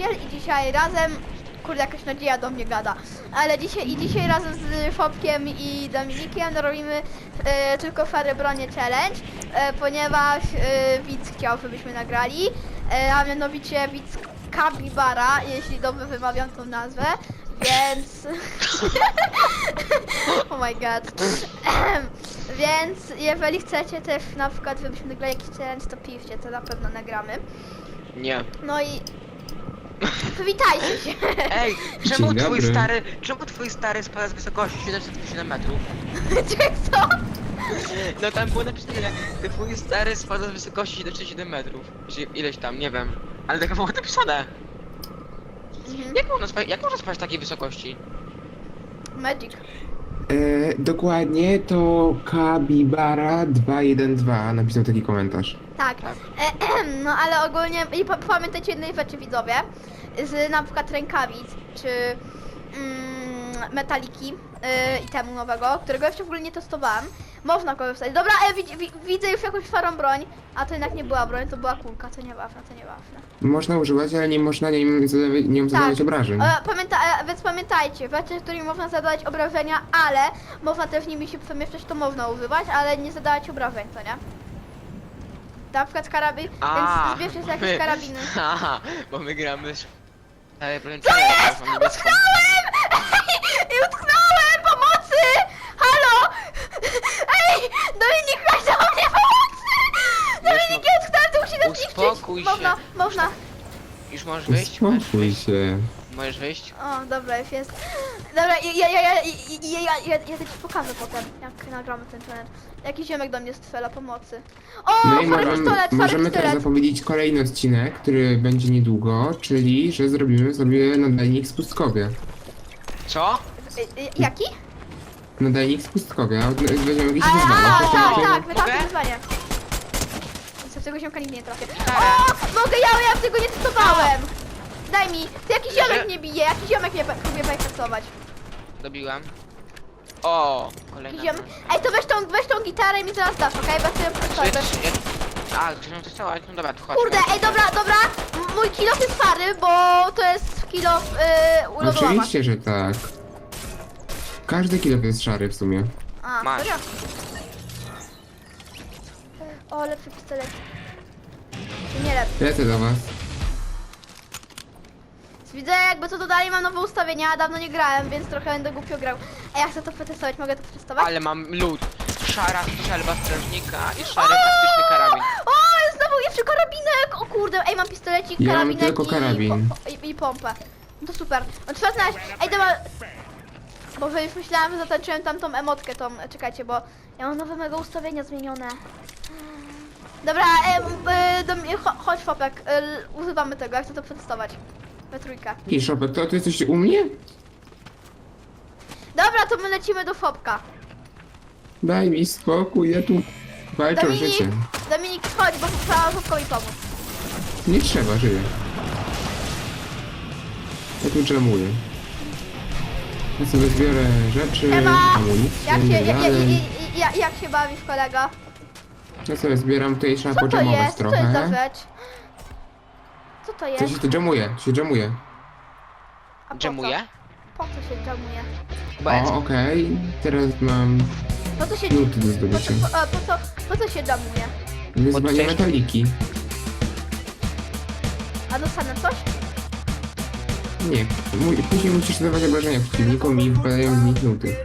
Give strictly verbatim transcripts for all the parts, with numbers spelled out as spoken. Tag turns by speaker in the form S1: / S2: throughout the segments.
S1: Maciel i dzisiaj razem, kurde jakaś nadzieja do mnie gada, ale dzisiaj i dzisiaj razem z Fopkiem i Dominikiem robimy e, tylko Fary Bronie Challenge, e, ponieważ e, widz chciał, żebyśmy nagrali, e, a mianowicie widz Kabibara, jeśli dobrze wymawiam tą nazwę, więc... oh my god. Więc jeżeli chcecie też na przykład, żebyśmy nagrali jakiś challenge, to piszcie, to na pewno nagramy.
S2: Nie.
S1: No i... Przywitajcie się!
S2: Ej, czemu
S3: Dzień
S2: twój
S3: dobry.
S2: stary, czemu twój stary spada z wysokości siedemset siedem metrów?
S1: Czekaj, co?
S2: No tam było napisane, że twój stary spada z wysokości siedemset siedem metrów. Czy ileś tam, nie wiem. Ale tak było napisane.
S1: Mhm.
S2: Jak można spać, jak można spać w takiej wysokości?
S1: Magic.
S3: E, dokładnie to Kabibara dwa jeden dwa napisał taki komentarz.
S1: Tak.
S2: Tak.
S1: E, no ale ogólnie, i pa- pamiętajcie jednej rzeczy widzowie, z na przykład rękawic, czy mm, metaliki yy, i temu nowego, którego jeszcze w ogóle nie testowałem, można korzystać. Dobra, e, widz, wi, widzę już jakąś starą broń, a to jednak nie była broń, to była kulka, to nieważne, to nieważne.
S3: Można używać, ale nie można nią zadawać, nią zadawać obrażeń.
S1: E, pamięta, e, więc pamiętajcie, rzeczy, którymi można zadawać obrażenia, ale można też nimi się przemieszczać, to można używać, ale nie zadawać obrażeń, to nie? Na przykład karabin,
S2: A,
S1: więc zbierzcie sobie
S2: my-
S1: jakieś karabiny.
S2: Aha, bo my gramy z... Ale powiem
S1: Co jest? Utknąłem! Ej, utknąłem! Pomocy! Halo! Ej! Dominik, chodź do mnie pomocy! Dominik, ja utknąłem, to musi nas
S2: Uspokój
S1: zniszczyć!
S2: się.
S1: Można, można.
S2: Już możesz wyjść? Możesz
S3: Uspokój
S2: wyjść?
S3: się.
S2: Możesz wyjść?
S1: O, dobra, już jest. Dobra, ja, ja, ja, ja, ja, ja, ja, ja ci pokażę potem, jak nagramy ten challenge. Jakiś ziomek do mnie strzela pomocy. O,
S3: No i
S1: stary
S3: możemy,
S1: pistolet, stary
S3: możemy teraz
S1: pistolet.
S3: zapowiedzieć kolejny odcinek, który będzie niedługo, czyli że zrobimy sobie nadajnik z Pustkowie.
S2: Co?
S1: Y, y, Jaki?
S3: Nadajnik z Pustkowie, a od- weźmiemy jakieś
S1: Ale,
S3: wyzwanie.
S1: a,
S3: To
S1: tak,
S3: będzie-
S1: tak, wytam
S2: Mogę?
S1: wyzwanie. Z tego ziomka nigdy nie trafię.
S2: Stara.
S1: O, mogę, ja, ja tego nie testowałem. Daj mi, ty jakiś
S2: Że-
S1: ziomek mnie bije, jakiś ziomek mnie pe- próbuje peksować.
S2: Dobiłem. O, kolejna.
S1: Jakiś ziomek. Ej, to weź tą, weź tą gitarę i mi zaraz dasz, okej? Bo ja chcę ją
S2: Czy-
S1: testować.
S2: czy- A, ktoś nam to chciał, no dobra, to chodź.
S1: Kurde, ej, dobra, dobra. M- Mój kilof jest stary, bo to jest kilof yy, u lodołama.
S3: Oczywiście, że tak. Każdy kilo jest szary w sumie.
S1: A,
S2: Masz.
S1: serio? O, lepszy pistolet. Czy nie lepszy?
S3: Lecę do was.
S1: Widzę jakby co dodali, mam nowe ustawienia, dawno nie grałem, więc trochę będę głupio grał. Ej, ja chcę to przetestować, mogę to przetestować?
S2: Ale mam lód. Szara strzelba strażnika i szary taktyczny karabin.
S1: O, znowu jeszcze karabinek! O kurde, ej, mam pistolecik,
S3: Ja mam
S1: karabinek
S3: tylko
S1: i,
S3: karabin.
S1: po, i, i pompę. No to super. No trzeba znaleźć. Ej, dobra. Boże, już myślałam, że zatańczyłem tamtą emotkę, tą, czekajcie, bo ja mam nowe mego ustawienia zmienione. Dobra, e, e, do mnie, cho, chodź Fopek, e, używamy tego, jak chcę to przetestować. We trójkę.
S3: I Szopek, to ty jesteś u mnie?
S1: Dobra, to my lecimy do Fopka.
S3: Daj mi spokój, ja tu walczę o
S1: Dominik,
S3: życie.
S1: Dominik, chodź, bo trzeba Fopkowi pomóc.
S3: Nie trzeba, żyję. Ja tu dżemuję. Ja sobie zbiorę rzeczy,
S1: Ema!
S3: amunicję,
S1: Jak się, ja, ja,
S3: medale.
S1: ja, ja, jak się bawisz, kolego?
S3: Ja sobie zbieram, tutaj trzeba
S1: Co to
S3: podżemować
S1: jest? Co to jest za
S3: trochę.
S1: rzecz? Co to
S3: Co
S1: jest?
S3: się tu dżemuje? Się dżemuje.
S1: A po co?
S2: Dżemuje?
S1: Po co się dżemuje?
S2: Bo
S3: O, okej. Teraz mam
S1: Po co się...
S3: nuty do
S1: Po
S3: zdobycia.
S1: co, po, a, po co, po co się dżemuje?
S3: Wyzwanie
S2: Podczas-
S3: metaliki.
S1: A dostanę coś?
S3: Nie. Mu- Później musisz zadawać obrażenia przeciwnikom i wypadają z nich nuty.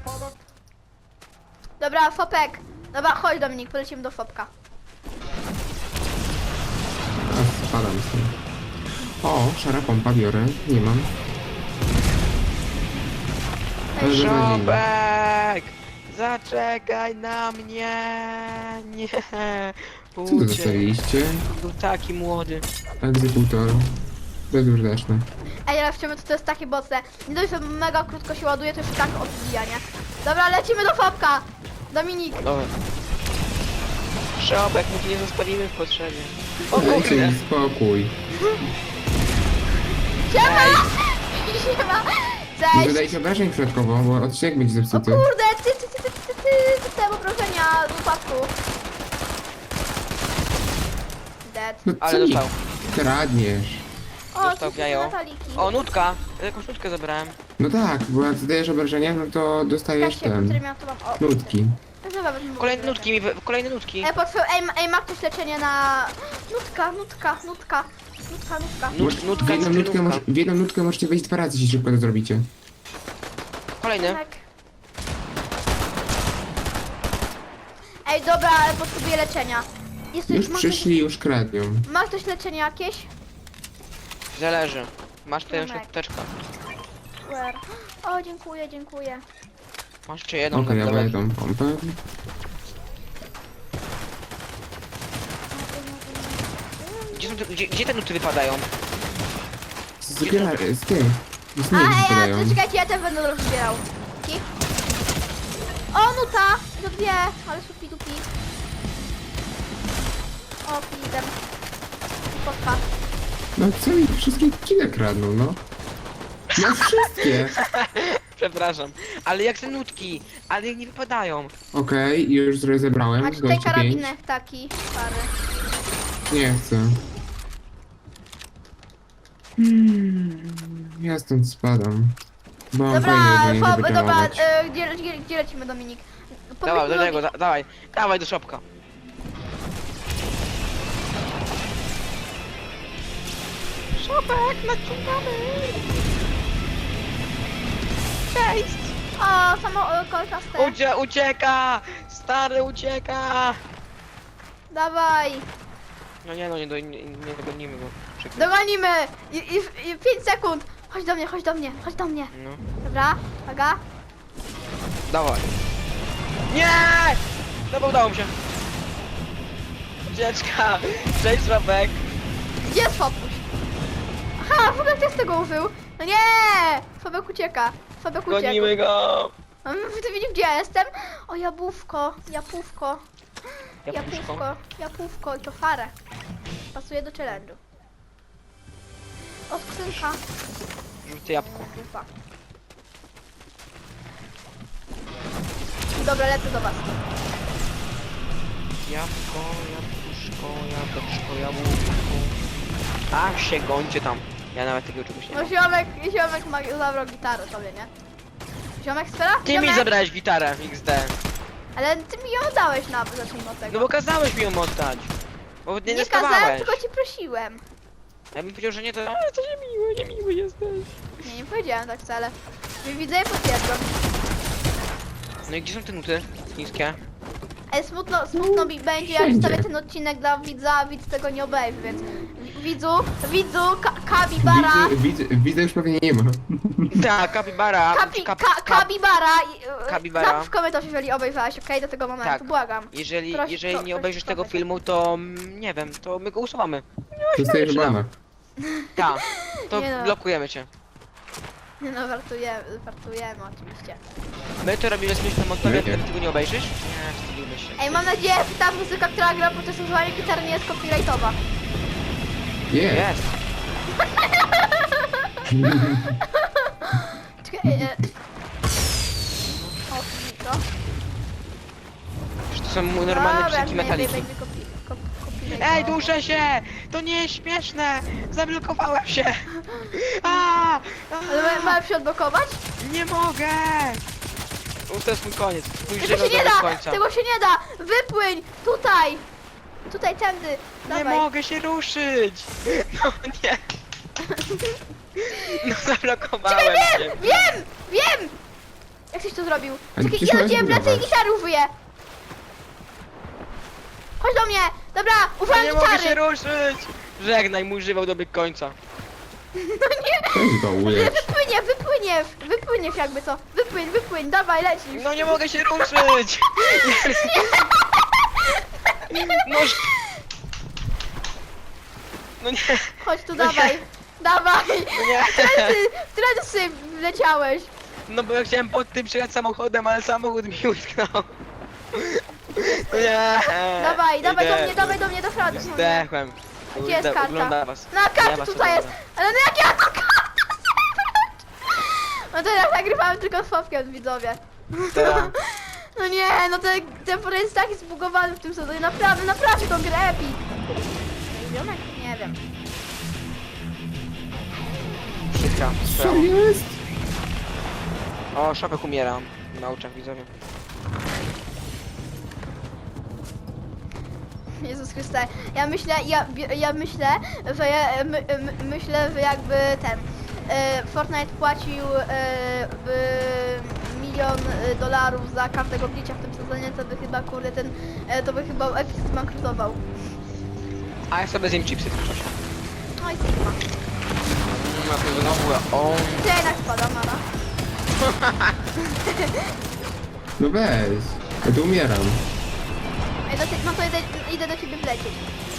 S1: Dobra, Fopek. Dobra, chodź Dominik, polecimy do Fopka.
S3: A spadam stąd. O, szara pompa biorę. Nie mam. Ale beznadziejnie.
S2: Szopek! Zaczekaj na mnie! Nie!
S3: Co tu
S2: Uciekł.
S3: zostawiliście?
S2: Był taki młody.
S3: Egzekutor. Bezużyteczne.
S1: Ej, ale w czym to jest takie mocne. Nie dość, że mega krótko się ładuje, to już tak odbija, nie? Dobra, lecimy do Fopka! Dominik!
S2: Dobra. Szopek, my ci nie zostawimy w potrzebie. O
S3: Dajcie
S2: kurde!
S3: mi spokój.
S1: Siema! Siema!
S3: Nie
S1: Cześć!
S3: dodajcie obrażeń środkowo, bo odcinek będzie
S1: O
S3: zepsuty.
S1: kurde, ty, ty, ty, ty, ty, ty, dostałem obrażenia z upadku. Dead.
S3: No
S2: Ale
S3: co mi
S2: dostał.
S3: kradniesz?
S1: O,
S2: Dostał
S1: tu
S2: w jajo.
S1: Nataliki.
S2: O, nutka! Ja jakąś nutkę zabrałem.
S3: No tak, bo jak zadajesz obrażenia, no to dostajesz
S1: Kasie,
S3: ten.
S1: który miał to mam. O,
S3: Nutki.
S1: to chyba wezmę
S2: Kolejne
S1: w
S2: nutki mi, wy- kolejne nutki.
S1: Ej, potwier- ej, ma- ej, ma ktoś leczenie na... Nutka, nutka, nutka, nutka, nutka.
S2: Nut,
S3: W
S2: nutka,
S3: jedną, nutkę
S2: nutka.
S3: moż, w jedną nutkę możecie wejść dwa razy, jeśli szybko to zrobicie.
S2: Kolejny.
S1: Tak. Ej, dobra, ale potrzebuję leczenia. Jest
S3: Już
S1: ma,
S3: przyszli, już kradną.
S1: ktoś, ma ktoś leczenie jakieś?
S2: Zależy. Masz tutaj jeszcze
S1: Tomek.
S2: apteczkę.
S1: Where? O, dziękuję, dziękuję.
S2: Masz jeszcze jedną.
S3: Okej, ja
S2: dobra.
S3: będę tą pompę.
S2: Gdzie, są te, gdzie, gdzie te nuty wypadają?
S3: Z zbiera, z tych. Z
S1: A,
S3: nich
S1: ej, a,
S3: wypadają.
S1: to czekajcie, ja też będę rozbierał. Ki? O, nuta! To dwie, ale supi dupi. O, pizem. Spotka.
S3: No co mi wszystkie odcinek kradną, no. No wszystkie.
S2: Przepraszam. Ale jak te nutki? Ale jak nie wypadają?
S3: Okej, już zrobię zebrałem.
S1: Macie tutaj
S3: Gości pięć.
S1: karabinek taki, stary.
S3: Nie chcę. Hmm, ja stąd spadam. Bo mam
S1: Dobra,
S3: fajne jedzenie,
S1: fob,
S3: żeby
S1: dobra,
S3: tamować.
S1: e, gdzie, gdzie, gdzie lecimy, Dominik?
S2: Dawaj, do
S1: Powiedz
S2: tego,
S1: mi-
S2: da, dawaj. Dawaj do szopka. Szopek, naciągamy. Cześć.
S1: O, samo e, kolczaste.
S2: Ucie, ucieka! Stary ucieka!
S1: Dawaj,
S2: No nie no, nie, do, nie, nie dogonimy go. Przykro.
S1: dogonimy! I, i, i pięć sekund! Chodź do mnie, chodź do mnie, chodź do mnie.
S2: No,
S1: Dobra, uwaga.
S2: dawaj. Nie! Dobra, udało mi się. Ucieczka! Cześć, Szopek.
S1: Gdzie jest Fobuś? Aha, Fobek też tego użył. No nie! Fobek ucieka. Fobek uciekł.
S2: Gonimy go!
S1: Mm, Ty widzisz, gdzie ja jestem? O, jabłówko, jabłówko,
S2: Jabłuszko.
S1: jabłówko, jabłówko i to farę. Pasuje do challenge'u. O, skrzynka.
S2: Rzucę jabłko.
S1: Dupa. Dobra, lecę do was.
S2: Jabłko, jabłuszko, jabłeczko, jabłuszko. A się gońcie tam. Ja nawet tego czegoś nie
S1: No
S2: mam.
S1: ziomek, ziomek ma, zabrał gitarę sobie, nie? Ziomek sfera?
S2: Ty mi
S1: Ziomek?
S2: zabrałeś gitarę X D.
S1: Ale ty mi ją oddałeś na, zacznijmy od tego.
S2: No bo kazałeś mi ją oddać. Bo nie,
S1: nie
S2: nie
S1: kazałem,
S2: stawałeś.
S1: tylko ci prosiłem.
S2: Ja bym powiedział, że nie, to ale to niemiły, niemiły jesteś.
S1: Nie, nie powiedziałem tak wcale. Widzę i potwierdzam.
S2: No i gdzie są te nuty chińskie?
S1: Ale smutno, smutno mi będzie, jak
S3: wszędzie.
S1: wstawię ten odcinek dla widza, a widz tego nie obejrzy, więc widzu, widzu, ka Kabibara,
S3: Widzę, widzę, widzę już pewnie nie ma.
S2: Tak, kapibara.
S1: kapi,
S2: kap-
S1: ka
S2: kap-
S1: Kabibara, i, e,
S2: Kabibara.
S1: napisz w komentarzu, jeżeli obejrzałeś, okej, do tego momentu,
S2: Tak.
S1: błagam.
S2: Jeżeli,
S1: Proszę,
S2: jeżeli
S1: pro-
S2: nie
S1: proszę,
S2: obejrzysz tego
S1: proszę.
S2: filmu, to mm, nie wiem, to my go usuwamy.
S3: Dostajesz
S2: zaczynam.
S3: bana.
S2: Tak, to
S1: Nie no.
S2: blokujemy cię.
S1: Nie no, żartujemy, żartujemy oczywiście.
S2: My to robimy z myślą o tobie,
S3: Nie, nie.
S2: ty tego nie obejrzysz? Nie, wstydimy się.
S1: Ej, mam nadzieję, że ta muzyka, która gra podczas używania gitary nie jest copyrightowa.
S3: Nie.
S2: Jest.
S1: Czekaj, e... O, mikro.
S2: Przecież to są normalne
S1: Dobra,
S2: piosenki
S1: nie
S2: metaliki.
S1: będzie copy- cop- copyrightowa.
S2: Ej, duszę się! To nie jest śmieszne! Zablokowałem się! A, a,
S1: Ale ma- mamy się odblokować?
S2: nie mogę! No, to jest mój koniec. Mój
S1: Tego
S2: żywot
S1: się nie
S2: do
S1: da!
S2: końca.
S1: Tego się nie da! Wypłyń! Tutaj! Tutaj, tędy!
S2: Nie
S1: Dawaj.
S2: mogę się ruszyć! No nie! No zablokowałem
S1: Czekaj,
S2: się.
S1: wiem! Wiem! Wiem! Jak ktoś to zrobił?
S3: Ale
S1: Czekaj,
S3: przecież
S1: ja do
S3: masz
S1: ciebie wlecę i
S3: budować.
S1: gitary użyję! Chodź do mnie! Dobra,
S2: No
S1: używam
S2: nie mogę się
S1: gitary!
S2: ruszyć! Żegnaj, mój żywot dobiegł końca.
S3: Weź go
S1: Nie,
S3: ulecz.
S1: wypłynie, wypłynie! Wypłyniesz jakby co! Wypłyń, wypłyń, dawaj, lecisz!
S2: No nie mogę się ruszyć! No, ż- no nie,
S1: Chodź tu,
S2: No nie.
S1: dawaj! Dawaj!
S2: no nie.
S1: Trendy, trendy wleciałeś!
S2: No bo ja chciałem pod tym przyjechać samochodem, ale samochód mi utknął. No nie.
S1: Dawaj, dawaj do
S2: Idę.
S1: mnie, dawaj do mnie, do frady!
S2: Zdechłem.
S1: Gdzie jest
S2: Kurde,
S1: karta?
S2: ogląda was.
S1: Na
S2: Ja
S1: karcie
S2: was
S1: tutaj jest!
S2: oglądam.
S1: Ale no jak ja to karta? No teraz nagrywałem tylko z Fawkiem, widzowie.
S2: Tak.
S1: No nie, no ten, ten port jest taki zbugowany w tym sezonie, naprawdę, naprawdę tą grę epic. Ziomek? Nie wiem.
S2: glitcha.
S3: Co jest?
S2: O, Szopek umiera na oczach widzowie.
S1: Jezus Chryste, ja myślę, ja, ja myślę, że ja, my, my, myślę, że jakby ten e, Fortnite płacił e, by milion e, dolarów za każdego glitcha w tym sezonie, to by chyba kurde ten, e, to by chyba Epic zbankrutował.
S2: A ja sobie zjem chipsy w tym czasie.
S1: No i Sigma.
S2: No to znowu, o.
S1: Ja jednak spadam, Mara.
S3: No weź. Ja tu umieram.
S1: Ej, do, no to idę, idę do ciebie wlecieć.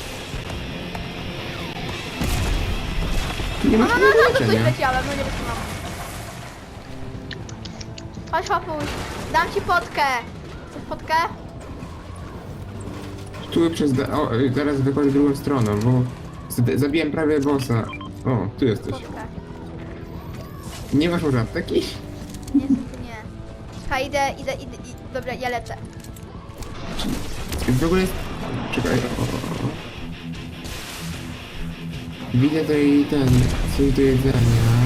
S3: Tu nie
S1: No,
S3: masz
S1: no, no, no, to coś
S3: leczenia.
S1: leciałem, no nie wytrzymam. Chodź, papuś, dam ci potkę. Chcesz potkę?
S3: Tu przez... da- O, zaraz wychodzę drugą stroną, bo... z- Zabiłem prawie bossa. O, tu jesteś.
S1: Potkę.
S3: Nie masz może apteki?
S1: Niestety nie. Czekaj, idę, idę, idę, idę. Dobra, ja lecę.
S3: W ogóle jest... Czekaj, o, o, o. Widzę tutaj ten... coś do jedzenia.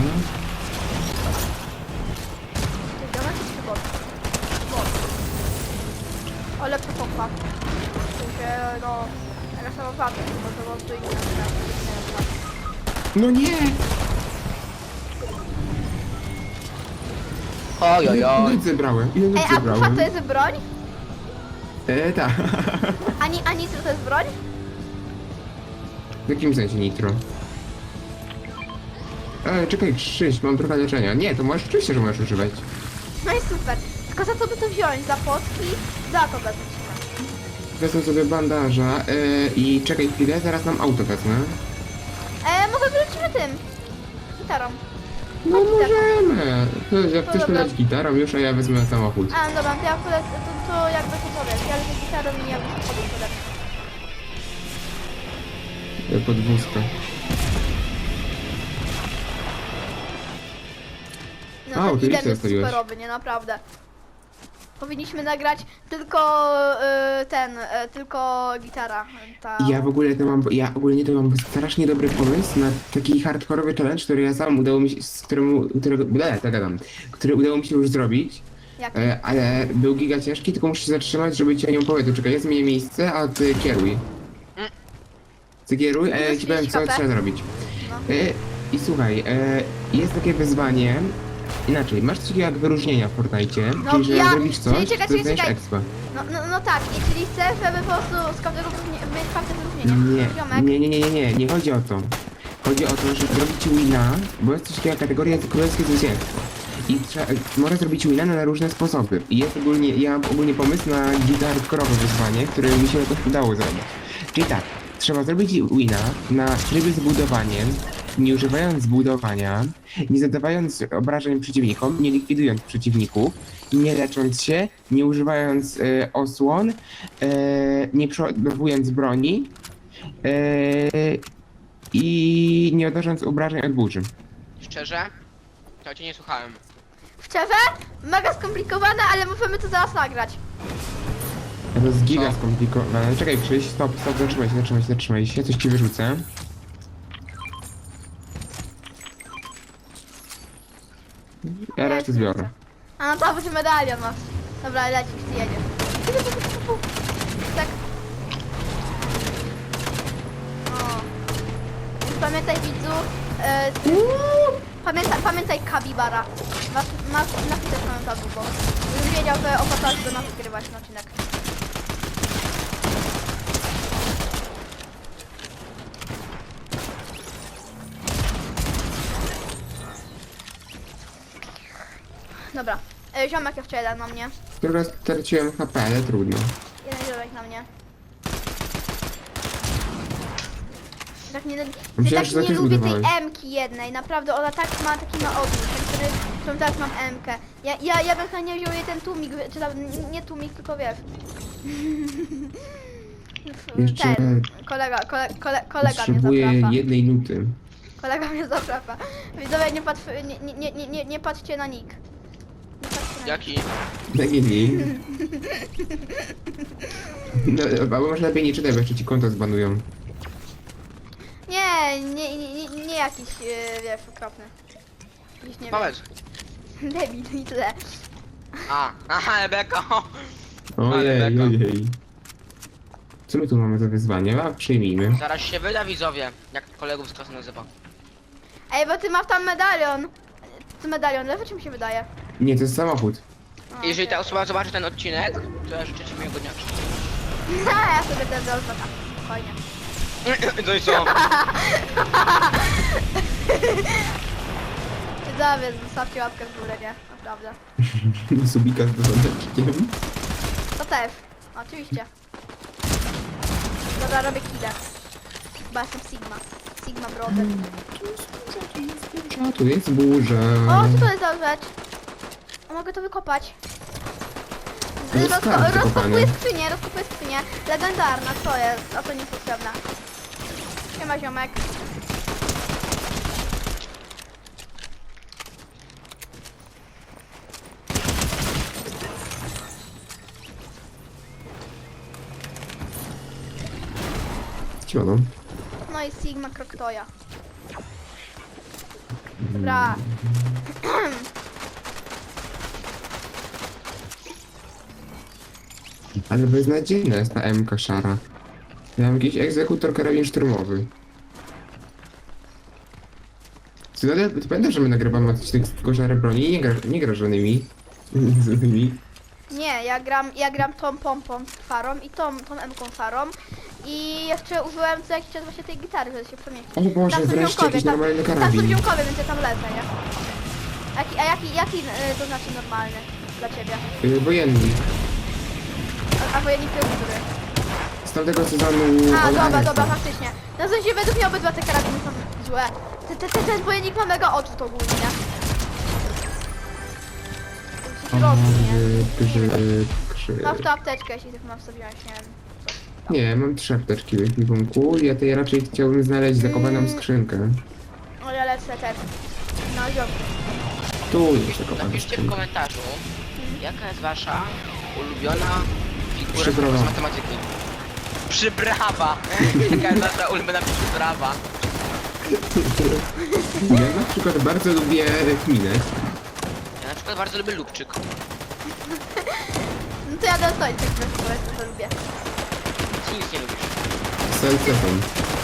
S1: Ty domek czy bot? Bot. O, lepsza pompa. W sensie, no... Jaka sama wady, bo to botu i nie na
S3: No nie!
S2: Oj, oj,
S3: Ile
S2: oj.
S3: nic zebrałem? Ile
S1: Ej,
S3: nic
S1: a pufa
S3: zebrałem?
S1: to jest broń?
S3: E, tak.
S1: Ani, a nitro to jest broń?
S3: W jakim sensie nitro? E, czekaj, Krzyś, mam trochę leczenia. Nie, to możesz, oczywiście, że możesz używać.
S1: No i super. Tylko za co by to wziąć? Za potki? Za to wezmę.
S3: Wezmę sobie bandaża e, i czekaj chwilę, zaraz nam auto wezmę.
S1: E, może wylecimy tym. Gitarą.
S3: No
S1: Chodź,
S3: możemy. To jak
S1: To
S3: chcesz
S1: dobra.
S3: poleć gitarą już, a ja wezmę samochód.
S1: A, no dobra, to ja akurat, to, to jakby to powiesz. Ja lecę gitarą i jakby to powiem, to lepsze.
S3: E, Podwózka.
S1: No
S3: A,
S1: ten
S3: ty
S1: idem
S3: listę
S1: jest
S3: zostawiłeś.
S1: superowy, nie? Naprawdę. Powinniśmy nagrać tylko y, ten, y, tylko gitara. Ta...
S3: Ja w ogóle to mam, ja ogólnie to mam strasznie dobry pomysł na taki hardkorowy challenge, który ja sam udało mi się, z któremu, którego, ble, tak gadam, który udało mi się już zrobić,
S1: Jak?
S3: e, ale był giga ciężki, tylko muszę się zatrzymać, żeby ci o nią powiedzieć. Czekaj, ja zmienię miejsce, a ty kieruj. Ty kieruj, a ja ci powiem, co
S1: Minus
S3: trzeba zrobić.
S1: No.
S3: E, I słuchaj, e, jest takie wyzwanie, inaczej, masz coś takiego jak wyróżnienia w Fortnite,
S1: No,
S3: czyli że
S1: ja-
S3: zrobisz coś,
S1: czyli czekaj,
S3: to
S1: czekaj,
S3: dostaniesz
S1: czekaj.
S3: expa.
S1: No, no, no tak, i czyli chcę, żeby po prostu z każdego wyróżnienia- mieć każde wyróżnienie.
S3: Nie,
S1: Ziomek.
S3: nie, nie, nie, nie, nie, nie chodzi o to. Chodzi o to, że zrobić wina, bo jest coś takiego jak kategoria królewskie zwycięstwo. I trzeba, można zrobić wina na różne sposoby. I jest ogólnie, ja mam ogólnie pomysł na hardkorowe wyzwanie, które mi się jakoś udało zrobić. Czyli tak, trzeba zrobić wina na trybie z budowaniem, nie używając zbudowania, nie zadawając obrażeń przeciwnikom, nie likwidując przeciwników, nie lecząc się, nie używając e, osłon, e, nie przeładowując broni e, i nie odnosząc obrażeń od burzy.
S2: Szczerze? To cię nie słuchałem.
S1: Szczerze? Mega skomplikowane, ale możemy to zaraz nagrać.
S3: To jest giga
S2: Co?
S3: skomplikowane. Czekaj Krzyś, stop, stop, zatrzymaj się, zatrzymaj się, zatrzymaj się, coś ci wyrzucę. Ja resztę zbiorę.
S1: A no to będzie medalion masz. Dobra, lecisz, ty jedziesz. Tak. O. Pamiętaj widzu, e, pamiętaj, pamiętaj Kabibara. Masz, masz napisać komentarzu, bo już wiedział, że opłacasz do nas wygrywać ten odcinek. Dobra, e, ziomek jeszcze jeden na mnie.
S3: Tylko straciłem H P, ale trudno.
S1: Jeden ziomek na mnie. Tak nie,
S3: Myślałem,
S1: tak
S3: że
S1: nie
S3: też
S1: lubię tej
S3: budowałeś.
S1: M-ki jednej, naprawdę ona tak ma, taki ma odwrót, ten, który, którą teraz mam M-kę. Ja, ja, ja bym chętnie wziął jej ten tłumik, czy tam, n- nie tłumik, tylko wiesz.
S3: Jeszcze
S1: Ten, kolega, kole, kole, kolega mnie
S3: potrzebuję
S1: zaprasza.
S3: jednej nuty.
S1: Kolega mnie zaprasza. Widzowie, nie, patrz, nie, nie, nie, nie, nie patrzcie na nick. Nie patrzcie na nick.
S2: Jaki?
S3: Takie dni. No, albo może lepiej nie czytaj, bo jeszcze ci konto zbanują.
S1: Nie, nie, nie, nie, nie jakiś, yy, wiesz, okropny. Gdzieś nie
S2: Powiedz.
S1: wiem. Debil i tyle.
S2: A, aha, Rebeka.
S3: Ojej,
S2: beka.
S3: ojej. Co my tu mamy za wyzwanie? A, przyjmijmy.
S2: Zaraz się wyda widzowie, jak kolegów z klasy nazywa.
S1: Ej, bo ty masz tam medalion. To medalion lewy, czy mi się wydaje?
S3: Nie, to jest samochód.
S1: O,
S2: Jeżeli ta
S1: okej.
S2: osoba zobaczy ten odcinek, to ja życzę ci miłego dnia.
S1: No, ja sobie też zaznaczam. Spokojnie.
S2: To jest co?
S1: Widzowie, zostawcie łapkę w górę, nie? Naprawdę.
S3: Subika z porządeczkiem.
S1: To też. Oczywiście. Dobra, robię killę. Chyba jestem Sigma. Sigma Brother.
S3: A tu jest burza.
S1: O, co to jest za rzecz? O, mogę to wykopać.
S3: To jest
S1: Rozko
S3: skarb
S1: rozkopuję
S3: wykopany.
S1: skrzynię, rozkopuję skrzynię. Legendarna, co jest? A to niepotrzebna. Siema ziomek.
S3: Ciono.
S1: No i Sigma Kroktoja. Dobra.
S3: Ale beznadziejna jest ta M K szara. Ja mam jakiś egzekutor karabin szturmowy. Ty, nadal- ty pamiętasz, że my nagrywamy odcinek z tylko szare broni i nie, gra, nie gra żadnymi złymi.
S1: Nie, ja gram, ja gram tą pompą farą i tą, tą M-ką farą. I jeszcze użyłem co jakiś czas właśnie tej gitary, żeby się przemieścić.
S3: O Boże,
S1: Tam są
S3: wreszcie
S1: ziomkowie,
S3: jakiś
S1: tam-
S3: normalny
S1: Tam są
S3: karabin.
S1: ziomkowie, więc ja tam lecę, nie? Jaki, a jaki, jaki y, to znaczy normalny dla ciebie?
S3: Yy, wojenny.
S1: A, a wojennik to jest który?
S3: Z tamtego sezonu
S1: A,
S3: od
S1: dobra,
S3: Arefa.
S1: dobra, faktycznie. No w sensie według mnie obydwa te karabiny są złe. Te, te, te, ten wojennik ma mega odrzut ogólnie, nie? To się robi, nie?
S3: Grzyb, grzyb.
S1: Masz tu apteczkę, jeśli tylko mam sobie wziąć, nie wiem.
S3: Nie, mam trzy apteczki w ekwipunku. Ja tej raczej chciałbym znaleźć zakopaną
S1: Mm.
S3: skrzynkę.
S1: O, ja lecę też. No, ziomki.
S3: Tu jest zakopana
S2: Napiszcie w
S3: skrzynka.
S2: komentarzu, jaka jest wasza ulubiona figura
S3: Przybrawa.
S2: z matematyki. Przybrawa! Jaka jest wasza ulubiona przybrawa?
S3: Ja na przykład bardzo lubię kminę.
S2: Ja na przykład bardzo lubię lubczyk.
S1: No to ja dostoję tak po prostu, to lubię.
S2: Ty nic nie lubisz.
S3: Z salcetą.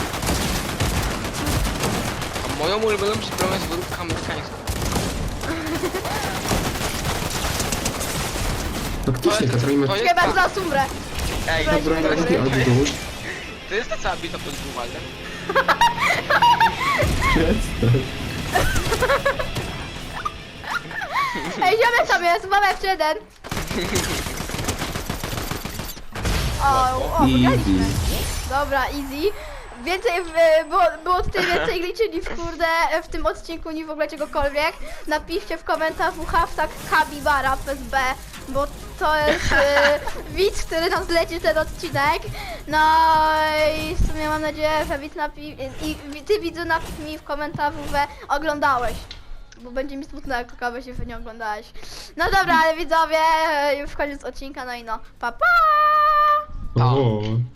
S2: A moją ulubioną przybrawą jest wódka amerykańska.
S3: Faktycznie ta broń ma...
S2: To jest
S1: Chyba
S2: ta-
S1: zaraz umrę.
S2: Ej,
S3: Ta broń ma taki odgłos.
S2: to jest ta cała bita pod dwuwalem.
S3: Przestań.
S1: Ej, ziomek tam jest, mamy jeszcze jeden. O, o, wygraliśmy. Dobra, easy. Więcej, w, było, było tutaj więcej liczy niż kurde w tym odcinku, niż w ogóle czegokolwiek. Napiszcie w komentarzu hashtag Kabibara przez B, bo to jest e, widz, który nam zleci ten odcinek. No i w sumie mam nadzieję, że widz napi i ty widzu napisz mi w komentarzu, że oglądałeś. Bo będzie mi smutno, jak kogoś się nie oglądałeś. No dobra, ale widzowie, e, już koniec odcinka, no i no, pa pa!
S3: O.